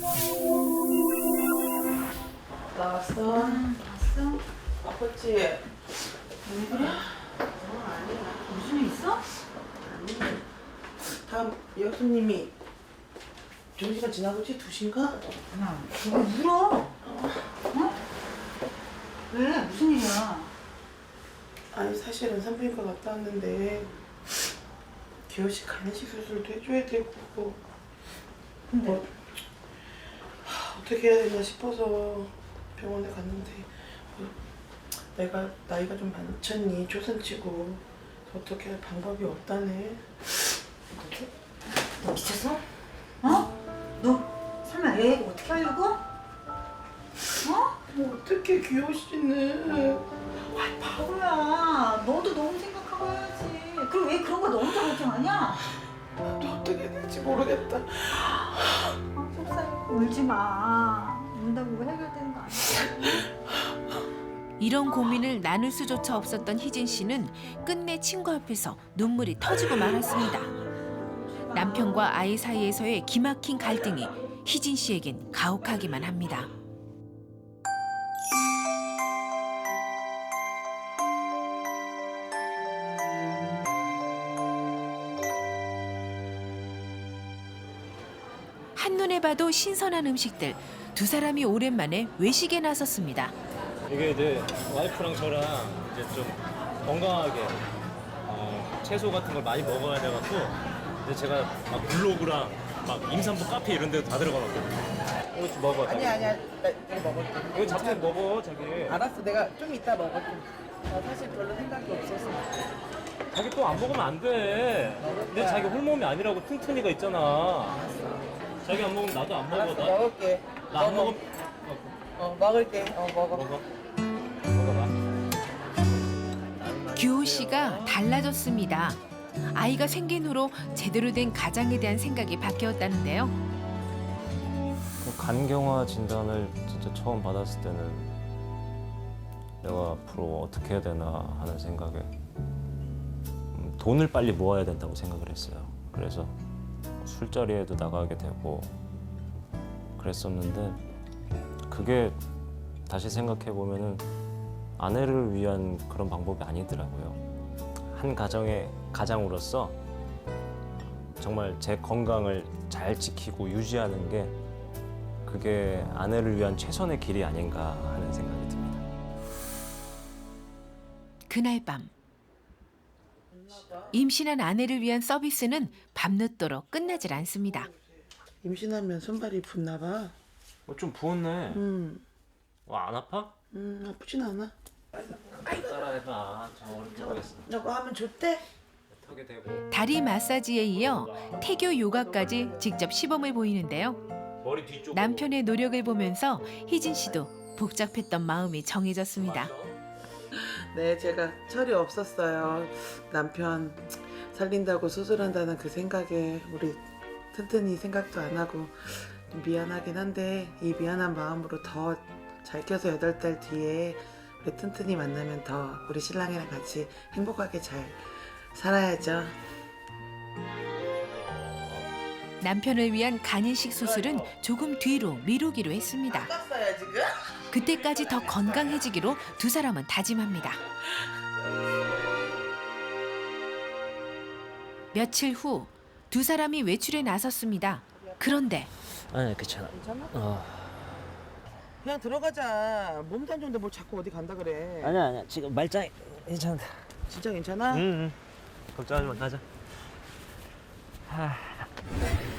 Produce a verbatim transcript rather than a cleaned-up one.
나왔어? 응, 왔어? 아팠지? 왜 그래? 어, 아니야. 무슨 일 있어? 아니. 다음 여수님이 좀 시간 지나고지? 두 시인가? 야, 너 왜 울어? 어? 왜? 무슨 일이야? 아니 사실은 산부인과 갔다 왔는데 기호씨 간이식 수술도 해줘야 되고 근데? 뭐, 하, 어떻게 해야 되나 싶어서 병원에 갔는데 뭐, 내가 나이가 좀 많잖니 초선치고 어떻게 할 방법이 없다네. 너 미쳤어? 어? 너 설마 애 어떻게 하려고? 어? 뭐 어떻게 기호씨는 아이 바보야. 너도 너무 생각하고 해야지. 그럼 왜 그런 거 너 혼자 걱정하냐? 나도 어떻게 해야 될지 모르겠다. 아 속상해. 울지 마. 운다고 뭐 해결되는 거 아니야. 이런 고민을 나눌 수조차 없었던 희진 씨는 끝내 친구 앞에서 눈물이 터지고 말았습니다. 남편과 아이 사이에서의 기막힌 갈등이 희진 씨에겐 가혹하기만 합니다. 한눈에 봐도 신선한 음식들, 두 사람이 오랜만에 외식에 나섰습니다. 이게 이제 와이프랑 저랑 이제 좀 건강하게 어, 채소 같은 걸 많이 먹어야 돼갖고 이제 제가 막 블로그랑 막 임산부 카페 이런 데도 다 들어가거든요. 이거 좀 먹어. 자기. 아니야 아니야 나 이거 먹을게. 이거 잡채 먹어 자기. 알았어 내가 좀 이따 먹을게. 나 사실 별로 생각이 없었어. 자기 또 안 먹으면 안 돼. 근데 자기 홀몸이 아니라고 튼튼이가 있잖아. 자기 안 먹으면 나도 안 먹어. 알았어 나 먹을게. 나 안 먹어. 먹으면 어 먹을게. 어 먹어. 먹어. 먹어봐. 규호 씨가 달라졌습니다. 아이가 생긴 후로 제대로 된 가장에 대한 생각이 바뀌었다는데요. 간경화 진단을 진짜 처음 받았을 때는 내가 앞으로 어떻게 해야 되나 하는 생각에 음, 돈을 빨리 모아야 된다고 생각을 했어요. 그래서 술자리에도 나가게 되고 그랬었는데 그게 다시 생각해 보면은 아내를 위한 그런 방법이 아니더라고요. 한 가정의 가장으로서 정말 제 건강을 잘 지키고 유지하는 게 그게 아내를 위한 최선의 길이 아닌가 하는 생각이 듭니다. 그날 밤 임신한 아내를 위한 서비스는 밤늦도록 끝나질 않습니다. 임신하면 손발이 붓나 봐. 어, 좀 부었네. 음, 어, 안 아파? 음 아프진 않아. 따라해봐. 저 어렵게 하겠어. 저거 하면 좋대? 턱에 대고. 다리 마사지에 이어 태교 요가까지 직접 시범을 보이는데요. 머리 뒤쪽. 남편의 노력을 보면서 희진 씨도 복잡했던 마음이 정해졌습니다. 네, 제가 철이 없었어요. 남편 살린다고 수술한다는 그 생각에 우리 튼튼이 생각도 안 하고 좀 미안하긴 한데 이 미안한 마음으로 더 잘 켜서 여덟 달 뒤에 우리 튼튼이 만나면 더 우리 신랑이랑 같이 행복하게 잘 살아야죠. 남편을 위한 간이식 수술은 조금 뒤로 미루기로 했습니다. 깠어요 지금? 그때까지 더 건강해지기로 두 사람은 다짐합니다. 며칠 후 두 사람이 외출에 나섰습니다. 그런데 아니 괜찮아. 괜찮아? 어. 그냥 들어가자. 몸도 안 좋은데 뭘 자꾸 어디 간다 그래. 아니야 아니야 지금 말짱 괜찮다. 진짜 괜찮아? 응. 응. 걱정하지 마 가자. 하.